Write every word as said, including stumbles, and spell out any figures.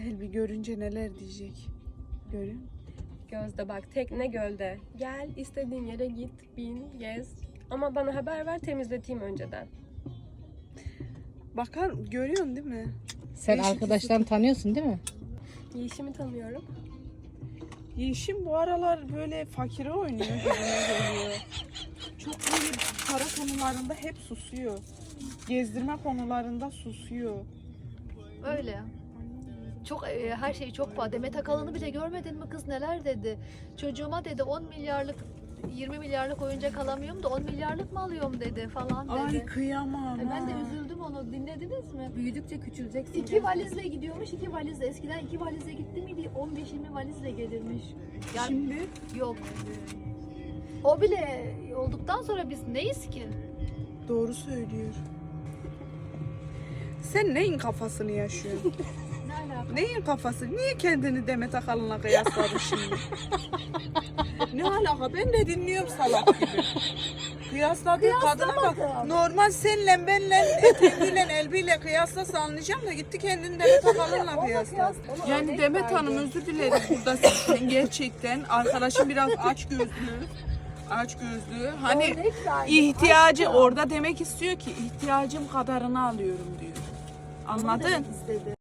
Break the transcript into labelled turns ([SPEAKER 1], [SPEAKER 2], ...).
[SPEAKER 1] Elbi görünce neler diyecek. Görün.
[SPEAKER 2] Gözde bak, tekne gölde. Gel, istediğin yere git, bin, gez. Ama bana haber ver, temizleteyim önceden.
[SPEAKER 1] Bakar görüyorsun değil mi?
[SPEAKER 3] Sen
[SPEAKER 1] Değişik
[SPEAKER 3] arkadaşlarını tanıyorsun değil mi?
[SPEAKER 2] Yeşimi tanıyorum.
[SPEAKER 1] Yeşim bu aralar böyle fakire oynuyor gibime geliyor. Çok böyle para konularında hep susuyor. Gezdirme konularında susuyor.
[SPEAKER 4] Öyle. Çok e, her şey çok pahalı. Demet Akalın'ı bile görmedin mi kız, neler dedi? Çocuğuma dedi on milyarlık yirmi milyarlık oyuncak alamıyorum da on milyarlık mı alıyorum dedi falan dedi.
[SPEAKER 1] Ay kıyamam.
[SPEAKER 4] E, ben de
[SPEAKER 1] ha.
[SPEAKER 4] üzüldüm, onu dinlediniz mi?
[SPEAKER 2] Büyüdükçe küçüleceksin.
[SPEAKER 4] İki valizle gidiyormuş, iki valizle. Eskiden iki valizle gitti miydi? on beş yirmi valizle gelirmiş. Yani
[SPEAKER 1] Şimdi
[SPEAKER 4] yok. O bile olduktan sonra biz neyiz ki?
[SPEAKER 1] doğru söylüyor. Sen neyin kafasını yaşıyorsun?
[SPEAKER 4] Ne alaka?
[SPEAKER 1] Neyin kafası? Niye kendini Demet Akalın'la kıyasladın şimdi? Ne alaka? Ben de dinliyorum salak gibi. Kıyasladığı kadına bak. Normal senle benle eteğiyle elbiyle kıyaslasa anlayacağım da gitti kendini Demet Akalın'la kıyasla. Yani Demet Hanım özür dileriz burada sizden gerçekten. Arkadaşım biraz aç gözlü. Aç gözlü. Hani
[SPEAKER 4] Örnek verdim.
[SPEAKER 1] ihtiyacı orada demek istiyor ki ihtiyacım kadarını alıyorum diyor. Anladın?
[SPEAKER 4] İstedi.